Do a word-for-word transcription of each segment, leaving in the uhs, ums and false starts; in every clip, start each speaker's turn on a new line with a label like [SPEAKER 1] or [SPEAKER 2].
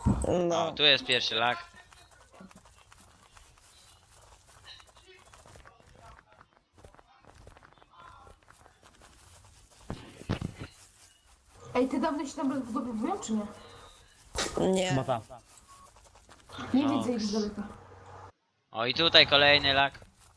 [SPEAKER 1] No.
[SPEAKER 2] O, tu jest pierwszy lag.
[SPEAKER 3] Ej, ty dawno się tam rozbudowują, czy nie?
[SPEAKER 1] Nie.
[SPEAKER 4] Chyba ta.
[SPEAKER 3] Nie
[SPEAKER 2] No.
[SPEAKER 3] widzę ich z daleka.
[SPEAKER 2] O, i tutaj kolejny lag.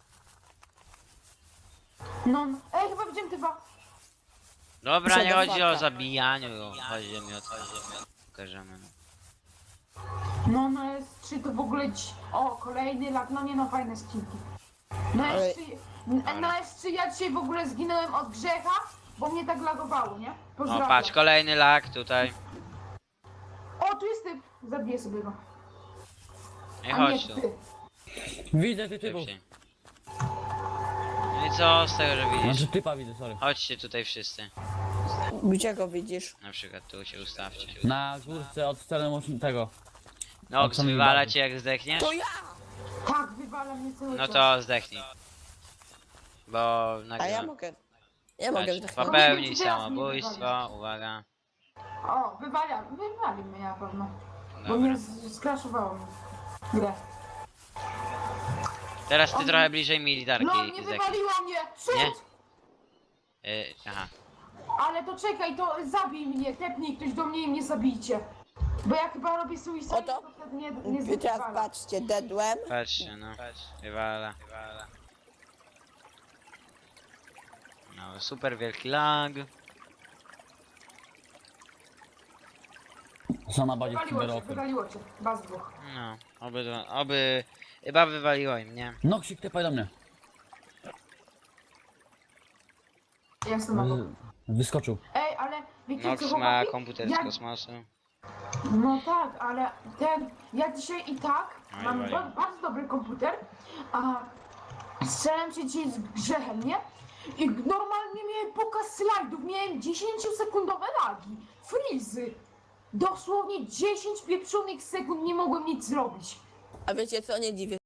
[SPEAKER 3] No, no. Ej, chyba widziałem typa.
[SPEAKER 2] Dobra, nie chodzi o
[SPEAKER 1] Przedofaka.
[SPEAKER 2] zabijaniu, chodzi mi o to, pokażemy. No.
[SPEAKER 3] No, na S trzy to w ogóle ci... O, kolejny lag, no nie no, fajne skinki. Na
[SPEAKER 1] Ale-
[SPEAKER 3] S trzy... n- Na S trzy ja dzisiaj w ogóle zginąłem od grzecha, bo mnie tak lagowało, nie?
[SPEAKER 2] O,
[SPEAKER 3] Pozdrawiam.
[SPEAKER 2] patrz, kolejny lag tutaj.
[SPEAKER 3] O, tu jest typ. Zabiję sobie go.
[SPEAKER 2] Nie
[SPEAKER 3] A nie,
[SPEAKER 2] chodź tu.
[SPEAKER 3] ty.
[SPEAKER 4] Widzę ty typów.
[SPEAKER 2] Szybciej. No i co z tego, że widzisz?
[SPEAKER 4] Znaczy typa widzę, sorry.
[SPEAKER 2] Chodźcie tutaj wszyscy.
[SPEAKER 1] Gdzie go widzisz?
[SPEAKER 2] Na przykład tu się ustawcie.
[SPEAKER 4] Na górce od strony mocy- tego.
[SPEAKER 2] Nox,
[SPEAKER 4] co mi
[SPEAKER 2] wywala
[SPEAKER 4] bawi.
[SPEAKER 2] cię jak zdechniesz?
[SPEAKER 1] To ja!
[SPEAKER 3] Tak, wywala mnie cały
[SPEAKER 2] No
[SPEAKER 3] czas.
[SPEAKER 2] to zdechnij. Bo
[SPEAKER 1] A ja
[SPEAKER 2] nagrywam.
[SPEAKER 1] mogę. Ja mogę
[SPEAKER 2] Patrz,
[SPEAKER 1] zdechnąć.
[SPEAKER 2] popełnij
[SPEAKER 3] Teraz mnie
[SPEAKER 2] samobójstwo,
[SPEAKER 3] wywalisz.
[SPEAKER 2] uwaga.
[SPEAKER 3] O, wywala, wywali mnie na pewno. Bo
[SPEAKER 2] Dobra.
[SPEAKER 3] mnie z- skraszowało mi grę.
[SPEAKER 2] Teraz ty
[SPEAKER 3] On-
[SPEAKER 2] trochę bliżej militarki
[SPEAKER 3] No, nie
[SPEAKER 2] zdechnij.
[SPEAKER 3] wywaliło mnie! Cud!
[SPEAKER 2] Nie? Y, aha.
[SPEAKER 3] Ale to czekaj, to zabij mnie, tepnij ktoś do mnie i mnie zabijcie. Bo ja chyba robię suicide,
[SPEAKER 1] Oto.
[SPEAKER 3] to wtedy nie, nie
[SPEAKER 1] I teraz
[SPEAKER 3] zwywala.
[SPEAKER 1] patrzcie, dedłem.
[SPEAKER 2] Patrzcie, no. Wywala. No, super wielki lag.
[SPEAKER 4] Są na bazie w
[SPEAKER 3] Wywaliło cię,
[SPEAKER 4] cyberokry.
[SPEAKER 3] wywaliło cię. Baz dwóch.
[SPEAKER 2] No, oby, oby... Chyba wywaliło im, nie?
[SPEAKER 4] Noksik, typaj do mnie.
[SPEAKER 3] Ja jestem obok.
[SPEAKER 4] Wy- Wyskoczył.
[SPEAKER 3] Ej, ale wiecie co,
[SPEAKER 2] Nox ma
[SPEAKER 3] chłopaki?
[SPEAKER 2] komputer z
[SPEAKER 3] Ja-
[SPEAKER 2] kosmosu.
[SPEAKER 3] No tak, ale ten, ja dzisiaj i tak
[SPEAKER 2] Oj,
[SPEAKER 3] mam
[SPEAKER 2] oj.
[SPEAKER 3] ba bardzo dobry komputer, a strzelam się dzisiaj z grzechem, nie? I normalnie miałem pokaz slajdów, miałem dziesięciosekundowe lagi, frizy. Dosłownie dziesięć pieprzonych sekund nie mogłem nic zrobić.
[SPEAKER 1] A wiecie co, nie dziwię